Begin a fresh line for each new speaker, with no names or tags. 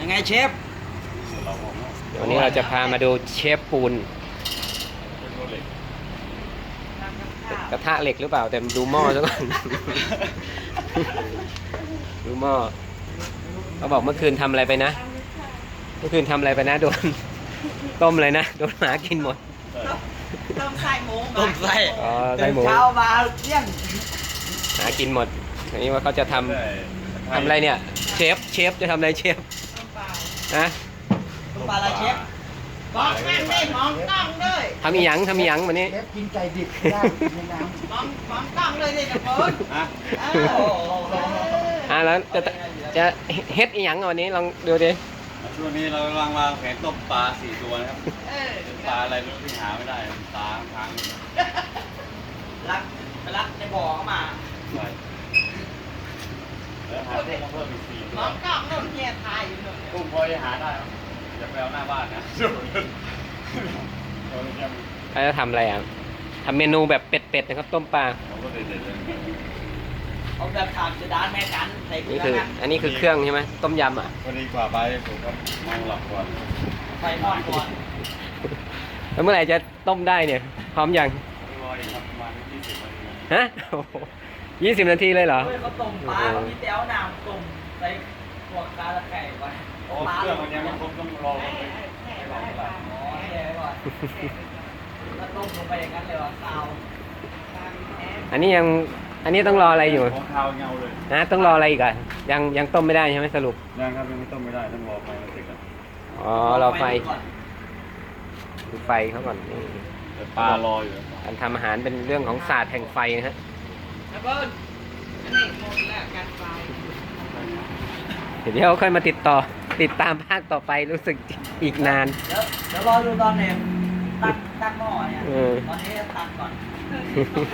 ไงเชฟ
วันนี้เราจะพามาดูเชฟปูนกระทะเหล็กหรือเปล่าแต่ดูหม้อซะก่อน ดูหม้อเขาบอกเมื่อคืนทำอะไรไปนะเมื่อคืนทำอะไรไปนะโดนต้มเลยนะโดนหมากินหมด
ต้มไส้หมู
ต้มไส้
อ๋อไส้หมู
เช้ามาเที่ยง
หากินหมดอันนี้ว่าเขาจะทำอะไรเนี่ยเชฟจะทำอะไรเชฟ
ต้มเปล่า
นะ
ต้มปลาอะไรเชฟ
บอกนั่นได้มองกล้องด้วย
ทำอีหยังวันนี้
เชฟกินไก่ดิบย่างในน้ำ
มองกล้องเลยดิจะเปิด
แล้วจะเฮ็ดอีหยังวันนี้ลองดูดิ
ช่วงนี้เรากำลังวางแผนต้มปลา4 ตัวนะครับ
เออ
เป็นปลาอะไรไม่รู้ที่หาไม่ได้ตาทาง
รักในบ่อเข้ามา
ไปแล้วหากุ้งมาเพิ่มอีก4 ตั
ม
ว
องกล้องนู่นเนี่ยถ่ายอยู่นู่น
กุ้งพอจะหาได้ครับอย่าไปเอาหน้าบ้านนะเรายัง
เขาจะทำอะไรอ่ะทำเมนูแบบเป็ดนะครับต้มปลา
เราก็เด็ดๆเลย
เอาแบบถามจะด้านแม่กันใส่เกลื
นี่
อ
คือ
นะ
อันนี้คือเครื่องใช่ไหมต้มยำอ่ะ
พอดีกว่าไปผมก็มองหลับก่อน
ไฟมอดก่อน
แล้วเมื่อไหร่จะต้มได้เนี่ยพร้อมยัง
รออีกครับประมาณ20 นาที
ฮะ20 นาทีเลยเหรอ
เฮ้ยเขาต้มปลาเขามีแต้วน้ำต้มใส่พวกปลาตะไคร้ไว้
โอ้เครื่องมันยังไม่ครบต้องรอกันเลย
อ๋อแช่ไว้ก่อนแล้วต้มลงไปอย่างนั้นเลยเหรอข้าว
อันนี้ต้องรออะไรอยู่
ของข้าวเงาเลย
นะต้องรออะไรอีกอ่ะยังต้มไม่ได้ใช่ไหมสรุป
ยังครับยังไม่ต้มไม่ได้ต้องรอไฟมันติดอ่ะ
อ๋อรอไฟดูไฟเขาก่อนนี่
แต่ปลารออยู่
การทำอาหารเป็นเรื่องของศาสตร์แห่งไฟนะฮะ
แล้วเบิ้ลอันนี้หมดแล้วการไฟ
เดี๋ยวค่อยมาติดตามภาคต่อไปรู้สึกอีกนาน
เดี๋ยวรอดูตอนเนี่ยตักหม้อเนี่ย ตอนนี้ตักก่อน